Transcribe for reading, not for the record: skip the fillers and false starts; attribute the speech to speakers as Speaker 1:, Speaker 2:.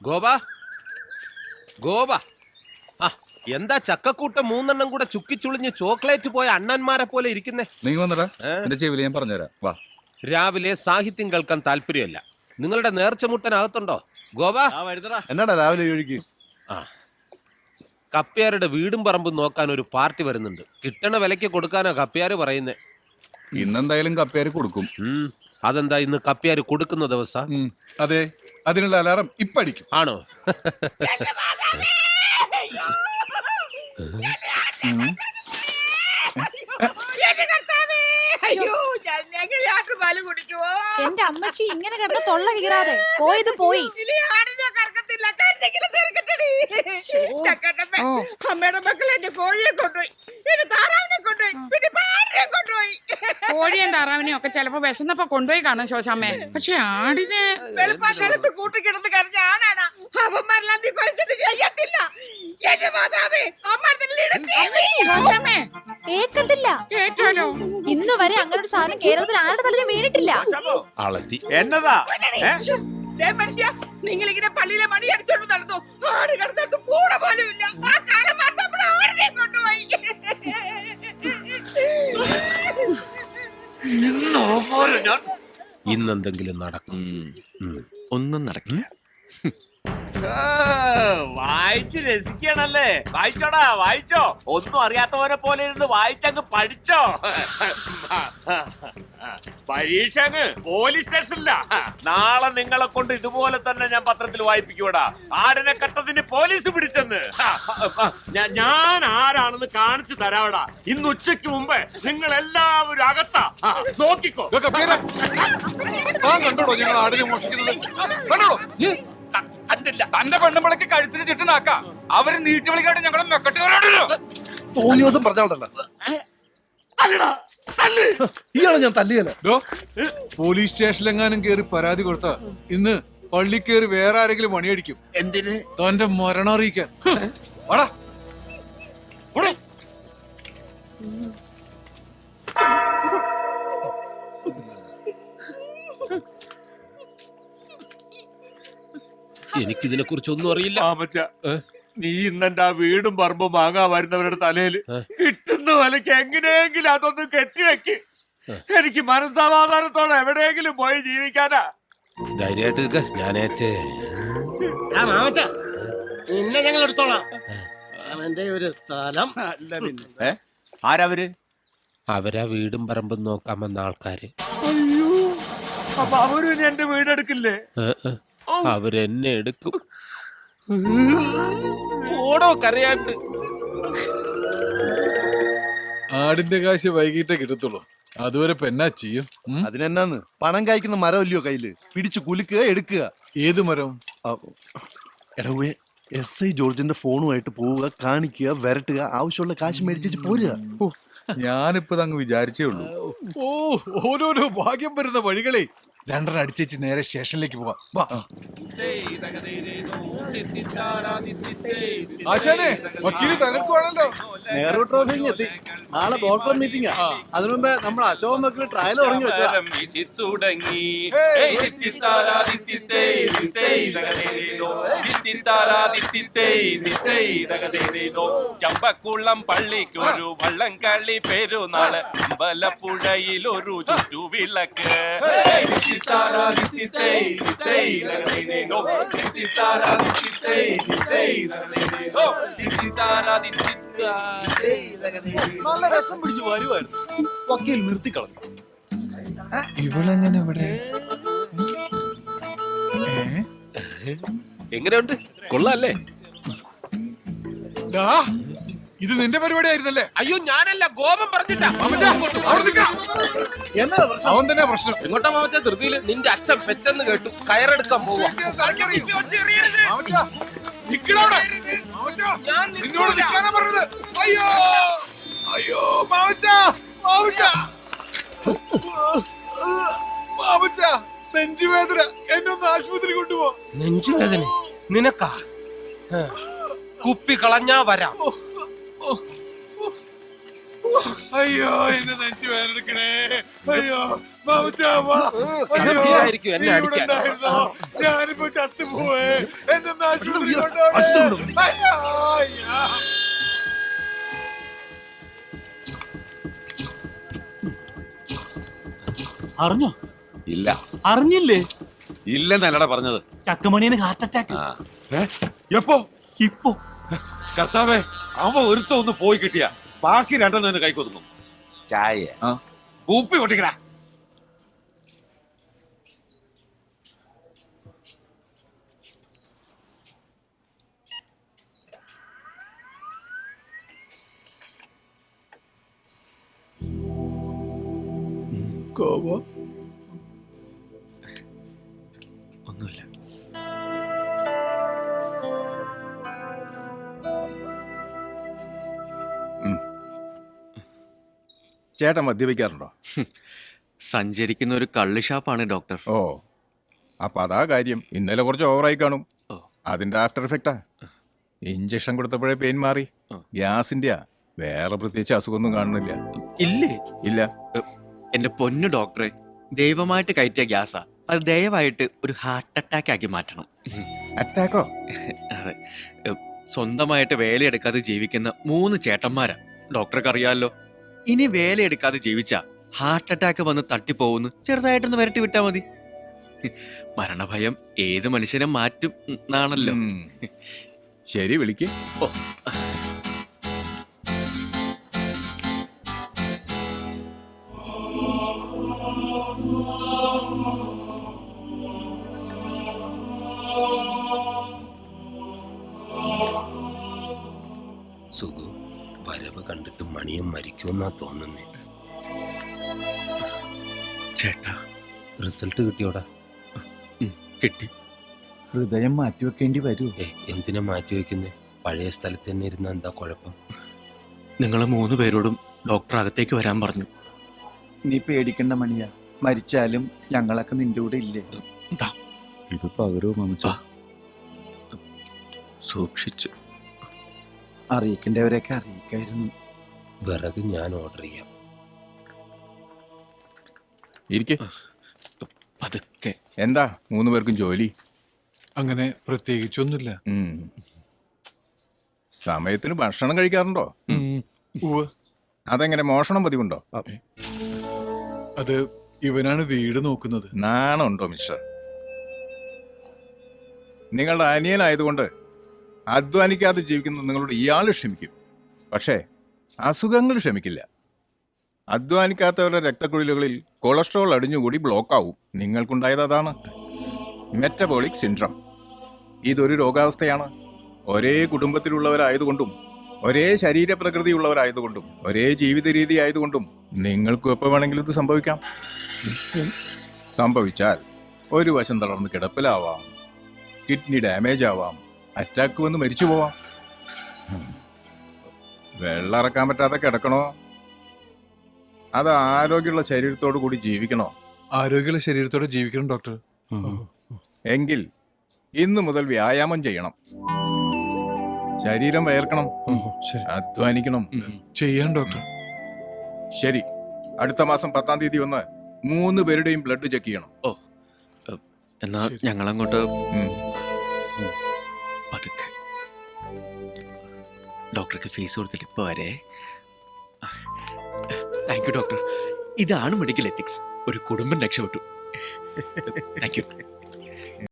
Speaker 1: ഗോപ ഗോപ ആ എന്താ ചക്കക്കൂട്ടം 3 കൂടെ ചുക്കിച്ചുളിഞ്ഞ് ചോക്ലേറ്റ് പോയ അണ്ണന്മാരെ പോലെ ഇരിക്കുന്നേ?
Speaker 2: നീ വന്നടാ, എന്റെ ചെവിയിൽ ഞാൻ പറഞ്ഞുതരാം. വാ.
Speaker 1: രാവിലെ സാഹിത്യം കേൾക്കാൻ താല്പര്യമല്ല. നിങ്ങളുടെ നേർച്ചമുട്ടനകത്തുണ്ടോ ഗോപ?
Speaker 3: എന്നാടാ രാവിലെ ഒഴുകി?
Speaker 1: ആ കപ്പ്യാരുടെ വീടും പറമ്പും നോക്കാൻ ഒരു പാർട്ടി വരുന്നുണ്ട്. കിട്ടണ വിലയ്ക്ക് കൊടുക്കാനാ കപ്പ്യാര് പറയുന്നേ.
Speaker 2: ഇന്നെന്തായാലും കപ്പേര് കൊടുക്കും.
Speaker 1: അതെന്താ ഇന്ന് കപ്പ്യാര് കൊടുക്കുന്ന ദിവസം?
Speaker 3: അതെ, അതിനുള്ള അലാറം ഇപ്പൊ അടിക്കും.
Speaker 1: ആണോ?
Speaker 4: എന്റെ അമ്മച്ചി ഇങ്ങനെ കിടന്ന് തൊള്ള കീറാതെ പോയത് പോയി.
Speaker 5: അമ്മയുടെ മക്കൾ എന്റെ കോഴിയെ കൊണ്ടുപോയി, എന്റെ താറാവിനെ കൊണ്ടുപോയി, പിന്നെ പാടിനെ കൊണ്ടുപോയി.
Speaker 6: കോഴിയും താറാവിനെയും ഒക്കെ ചിലപ്പോ വിശന്നപ്പോ കൊണ്ടുപോയി കാണും ശോശാമ്മേ. പക്ഷെ ആടിനെ
Speaker 5: വെളുപ്പാക്കാലത്ത് കൂട്ടിക്കിടന്ന് കരഞ്ഞ ആണാണ് അവന്മാരെല്ലാം നീ കൊലച്ചത് ചെയ്യത്തില്ല. എന്റെ മാതാവേ,
Speaker 6: ശോശാമ്മേ
Speaker 4: കേക്കത്തില്ല.
Speaker 6: കേട്ടോലോ,
Speaker 4: ഇന്ന് വരെ അങ്ങനെ ഒരു സാധനം കേരളത്തിൽ ആരുടെ തലയിൽ വീണിട്ടില്ല.
Speaker 1: അളത്തി
Speaker 7: എന്നതാ
Speaker 5: മനുഷ്യ, നിങ്ങളിങ്ങനെ പള്ളിയിലെ മണി അടിച്ചോണ്ട് നടന്നു. ആട് കിടന്നിട്ട് പൂട പോലും ഇല്ല. ആ കാലം മാർത്തപ്പോൾ ആടിനെ കൊണ്ടുപോയി.
Speaker 1: ഇന്നെന്തെങ്കിലും നടക്കും.
Speaker 7: ഒന്നും നടക്കില്ല. വായിച്ച് രസിക്കണല്ലേ? വായിച്ചോടാ, വായിച്ചോ. ഒന്നും അറിയാത്തവരെ പോലെ ഇരുന്ന് വായിച്ചങ്ങ് പഠിച്ചോ. പരീക്ഷ അങ്ങ് പോലീസ് സ്റ്റേഷനില്ല. നാളെ നിങ്ങളെ കൊണ്ട് ഇതുപോലെ തന്നെ ഞാൻ പത്രത്തിൽ വായിപ്പിക്കൂടാ. ആടിനെ കട്ടതിന് പോലീസ് പിടിച്ചെന്ന്. ഞാൻ ആരാണെന്ന് കാണിച്ചു തരാവടാ. ഇന്ന് ഉച്ചയ്ക്ക് മുമ്പ് നിങ്ങൾ എല്ലാവരും അകത്താ. നോക്കിക്കോ.
Speaker 3: കണ്ടോടോ ഞങ്ങൾ ആടിനെ മോഷിക്കുന്നത്? കണ്ടോടോ?
Speaker 7: കണ്ടില്ല.
Speaker 2: തന്റെ പെണ്ണുമ്പളക്ക് കഴുത്തിന് ചുറ്റുനാക്ക. അവര് നീട്ടി വിളിക്കാണ്ട് ഞങ്ങളെ മെക്കട്ടുകാരോടല്ലോ.
Speaker 3: തോന്നി ദിവസം പറഞ്ഞോണ്ടല്ലോ ഇയാളെ ഞാൻ തല്ലിയല്ലോ. പോലീസ് സ്റ്റേഷനിലെങ്ങാനും കേറി പരാതി കൊടുത്ത ഇന്ന് പള്ളി കേറി വേറെ ആരെങ്കിലും മണിയടിക്കും.
Speaker 7: എന്തിന്?
Speaker 3: തന്റെ മരണം അറിയിക്കാൻ. വാടാ.
Speaker 1: എനിക്കിതിനെ കുറിച്ചൊന്നും അറിയില്ല.
Speaker 7: നീ ഇന്നെന്റെ ആ വീടും പറമ്പും വാങ്ങാൻ വരുന്നവരുടെ തലയിൽ കിട്ടുന്ന വിലക്ക് എങ്ങനെയെങ്കിലും അതൊന്നും കെട്ടിവെക്ക്. എനിക്ക് മനസ്സമാധാനത്തോടെ എവിടെയെങ്കിലും പോയി ജീവിക്കാനാ.
Speaker 1: ധൈര്യമായിട്ട് നിൽക്ക, ഞാനേറ്റ്.
Speaker 8: പിന്നെ ഞങ്ങൾ എടുത്തോളാം. അവന്റെ ഒരു സ്ഥലം
Speaker 7: ആരവര്?
Speaker 1: അവരാ വീടും പറമ്പും നോക്കാൻ വന്ന ആൾക്കാര്.
Speaker 7: അയ്യോ, അപ്പൊ അവരും എന്റെ വീടെടുക്കില്ലേ?
Speaker 1: അവരെന്നെ എടുക്കും. ഓടോ കരയാണ്ട്.
Speaker 3: ആടിന്റെ കാശ് വൈകിട്ടേ കിട്ടത്തുള്ളൂ. അതുവരെ പെന്നാ ചെയ്യും.
Speaker 9: അതിനെന്നാന്ന്, പണം കായ്ക്കുന്ന മരം ഇല്ലയോ കയ്യില്? പിടിച്ചു കുലുക്കുക, എടുക്കുക.
Speaker 3: ഏത് മരം?
Speaker 9: എടവേ, SI ജോർജിന്റെ ഫോണുമായിട്ട് പോവുക, കാണിക്കുക, വരട്ടുക, ആവശ്യമുള്ള കാശ് മേടിച്ചു പോരുക.
Speaker 2: ഞാനിപ്പോ അങ്ങ് വിചാരിച്ചേ ഉള്ളൂ.
Speaker 3: ഓരോരോ ഭാഗ്യം വരുന്ന വഴികളെ. രണ്ടെണ്ണം അടിച്ചേച്ച് നേരെ സ്റ്റേഷനിലേക്ക് പോവാം. വാ. ആശാനെ, വക്കീല് തകർക്കുവാണല്ലോ.
Speaker 9: നെഹ്റു ട്രോഫി എത്തി. നാളെ ബോർഡ് ക്ലബ് മീറ്റിംഗാ. അതിനു മുമ്പേ നമ്മൾ അശോകൻ മക്കൾ ട്രയൽ തുടങ്ങി വെച്ചാ.
Speaker 10: ചമ്പക്കുളം പള്ളിക്കൊരു വള്ളംകളി പെരുന്നാള്, അമ്പലപ്പുഴയിലൊരു ചുറ്റുവിളക്ക്.
Speaker 9: നല്ല രസം പിടിച്ചു വരുമായിരുന്നു. വക്കീൽ നിർത്തിക്കളഞ്ഞു.
Speaker 3: ഇവളെങ്ങനെ ഇവിടെ?
Speaker 1: എങ്ങനെയുണ്ട്? കൊള്ളാല്ലേ?
Speaker 3: ഇത് നിന്റെ പരിപാടി ആയിരുന്നല്ലേ?
Speaker 1: അയ്യോ, ഞാനല്ല, ഗോപം പറഞ്ഞിട്ടാ.
Speaker 3: അവൻ തന്നെ പ്രശ്നം.
Speaker 1: എങ്ങോട്ടാ മാമച്ച? ധൃതിയില് നിന്റെ അച്ഛൻ പെട്ടെന്ന് കേട്ടു കയറെടുക്കാൻ പോവാ.
Speaker 3: നിന്നോട് നിൽക്കാനാ പറഞ്ഞത്. അയ്യോ അയ്യോ മാമച്ച, മാമച്ച, മാമച്ച, നെഞ്ചുവേദന. എന്നൊന്ന് ആശുപത്രി കൊണ്ടുപോ.
Speaker 1: നെഞ്ചുവേദന നിനക്കാ? കുപ്പി കളഞ്ഞാ വരാം.
Speaker 3: അയ്യോ എന്നെ നെഞ്ചു വേദനിക്കണേ. അയ്യോ മാമച്ചാവാ.
Speaker 1: കടപ്പിയായിരിക്കും എന്നെ അടിക്കാൻ.
Speaker 3: ഞാനിപ്പോ ചത്തുപോവേ. എന്നെ ആശുപത്രി കൊണ്ടുപോകണേ. അയ്യോ, അയ്യോ.
Speaker 8: അറിഞ്ഞോ?
Speaker 10: ഇല്ല
Speaker 8: അറിഞ്ഞില്ലേ?
Speaker 10: ഇല്ലെന്നല്ലടാ പറഞ്ഞത്.
Speaker 8: ചക്കമണിയന് ഹാർട്ട് അറ്റാക്ക്.
Speaker 10: എപ്പോ?
Speaker 8: ഇപ്പൊ
Speaker 10: കർത്താവേ, അവ ഒരുത്ത ഒന്ന് പോയി കിട്ടിയ ബാക്കി രണ്ടെണ്ണം കൈക്കൊതുങ്ങും. ചായ കൂപ്പി പൊട്ടിക്കടാ.
Speaker 7: ഒന്നുമില്ല.
Speaker 11: ചേട്ടൻ മദ്യപിക്കാറുണ്ടോ?
Speaker 7: സഞ്ചരിക്കുന്ന ഒരു കള്ള് ഷാപ്പാണ് ഡോക്ടർ.
Speaker 11: ഓ, അപ്പൊ അതാ കാര്യം. ഇന്നലെ കുറച്ച് ഓവറായി കാണും.
Speaker 7: ഓ.
Speaker 11: അതിന്റെ ആഫ്റ്റർ എഫക്റ്റാ. ഇഞ്ചക്ഷൻ കൊടുത്തപ്പോഴേ പെയിൻ മാറി. ഗ്യാസിന്റെയാ, വേറെ പ്രത്യേകിച്ച് അസുഖമൊന്നും കാണുന്നില്ല.
Speaker 7: ഇല്ലേ?
Speaker 11: ഇല്ല.
Speaker 7: എന്റെ പൊന്നു ഡോക്ടറെ, ദൈവമായിട്ട് കയറ്റിയ ഗ്യാസാ. അത് ദയവായിട്ട് ഒരു ഹാർട്ട് അറ്റാക്ക് ആക്കി മാറ്റണം.
Speaker 11: അറ്റാക്കോ?
Speaker 7: അതെ. സ്വന്തമായിട്ട് വേലയെടുക്കാതെ ജീവിക്കുന്ന 3 ചേട്ടന്മാരാ. ഡോക്ടർക്ക് അറിയാമല്ലോ. ഇനി വേലയെടുക്കാതെ ജീവിച്ച ഹാർട്ട് അറ്റാക്ക് വന്ന് തട്ടിപ്പോവുന്നു. ചെറുതായിട്ടൊന്ന് വരട്ടി വിട്ടാ മതി. മരണഭയം ഏത് മനുഷ്യനെ മാറ്റും എന്നാണല്ലോ.
Speaker 11: ശരി, വിളിക്ക്.
Speaker 7: ഓ.
Speaker 1: സുഖു വരവ് കണ്ടിട്ട് മണിയും മരിക്കുമെന്നാ തോന്നുന്നേ.
Speaker 7: ചേട്ടാ,
Speaker 1: റിസൾട്ട് കിട്ടിയോടാ?
Speaker 7: കിട്ടി.
Speaker 11: ഹൃദയം മാറ്റിവെക്കേണ്ടി വരൂ.
Speaker 1: എന്തിനാ മാറ്റി വെക്കുന്നേ? പഴയ സ്ഥലത്ത് തന്നെ ഇരുന്ന എന്താ കുഴപ്പം?
Speaker 7: നിങ്ങളെ 3 പേരോടും ഡോക്ടർ അകത്തേക്ക് വരാൻ പറഞ്ഞു.
Speaker 11: നീ പേടിക്കണ്ട മണിയാ, മരിച്ചാലും ഞങ്ങളൊക്കെ നിന്റെ കൂടെ ഇല്ലേ? ഇത് പകരോ മമച്ച?
Speaker 7: സൂക്ഷിച്ചു.
Speaker 11: അറിയിക്കേണ്ടവരെയൊക്കെ അറിയിക്കായിരുന്നു.
Speaker 1: വിറക് ഞാൻ ഓർഡർ ചെയ്യാം.
Speaker 11: ഇരിക്കെ.
Speaker 7: പതുക്കെ.
Speaker 11: എന്താ 3 പേർക്കും ജോലി?
Speaker 3: അങ്ങനെ പ്രത്യേകിച്ചൊന്നുമില്ല.
Speaker 11: സമയത്തിന് ഭക്ഷണം കഴിക്കാറുണ്ടോ?
Speaker 3: ഉവ്വ്.
Speaker 11: അതെങ്ങനെ, മോഷണം പതിവുണ്ടോ?
Speaker 3: അത് ഇവനാണ് വീട് നോക്കുന്നത്.
Speaker 11: നാണുണ്ടോ മിസ്റ്റർ? നിങ്ങളുടെ അനിയനായതുകൊണ്ട് അധ്വാനിക്കാതെ ജീവിക്കുന്ന നിങ്ങളോട് ഇയാൾ ക്ഷമിക്കും. പക്ഷേ അസുഖങ്ങൾ ക്ഷമിക്കില്ല. അധ്വാനിക്കാത്തവരുടെ രക്തക്കുഴലുകളിൽ കൊളസ്ട്രോൾ അടിഞ്ഞുകൂടി ബ്ലോക്കാവും. നിങ്ങൾക്കുണ്ടായത് അതാണ്, മെറ്റബോളിക് സിൻഡ്രം. ഇതൊരു രോഗാവസ്ഥയാണ്. ഒരേ കുടുംബത്തിലുള്ളവരായതുകൊണ്ടും ഒരേ ശരീരപ്രകൃതിയുള്ളവരായതുകൊണ്ടും ഒരേ ജീവിത രീതി ആയതുകൊണ്ടും നിങ്ങൾക്കും എപ്പോൾ വേണമെങ്കിലും ഇത് സംഭവിക്കാം. സംഭവിച്ചാൽ ഒരു വശം തളർന്ന് കിടപ്പിലാവാം, കിഡ്നി ഡാമേജ് ആവാം, അറ്റാക്ക് വന്ന് മരിച്ചു പോവാം. വെള്ളം ഇറക്കാൻ പറ്റാതെ കിടക്കണോ, അത് ആരോഗ്യമുള്ള ശരീരത്തോടു കൂടി ജീവിക്കണോ?
Speaker 3: ആരോഗ്യമുള്ള ശരീരത്തോടെ ജീവിക്കണം ഡോക്ടർ.
Speaker 11: എങ്കിൽ ഇന്നു മുതൽ വ്യായാമം ചെയ്യണം. ശരീരം വയർക്കണം, അധ്വാനിക്കണം.
Speaker 3: ചെയ്യാൻ ഡോക്ടർ.
Speaker 11: ശരി, അടുത്ത മാസം 10-ാം തീയതി വന്ന് 3 പേരുടെയും ബ്ലഡ് ചെക്ക് ചെയ്യണം.
Speaker 7: ഓ, എന്നാ ഞങ്ങളങ്ങോട്ട് പതുക്കെ. ഡോക്ടർക്ക് ഫീസ് കൊടുത്തിട്ട് ഇപ്പൊ വരെ. Thank you doctor. ഇതാണ് മെഡിക്കൽ എത്തിക്സ്. ഒരു കുടുംബം രക്ഷപ്പെട്ടു. Thank U.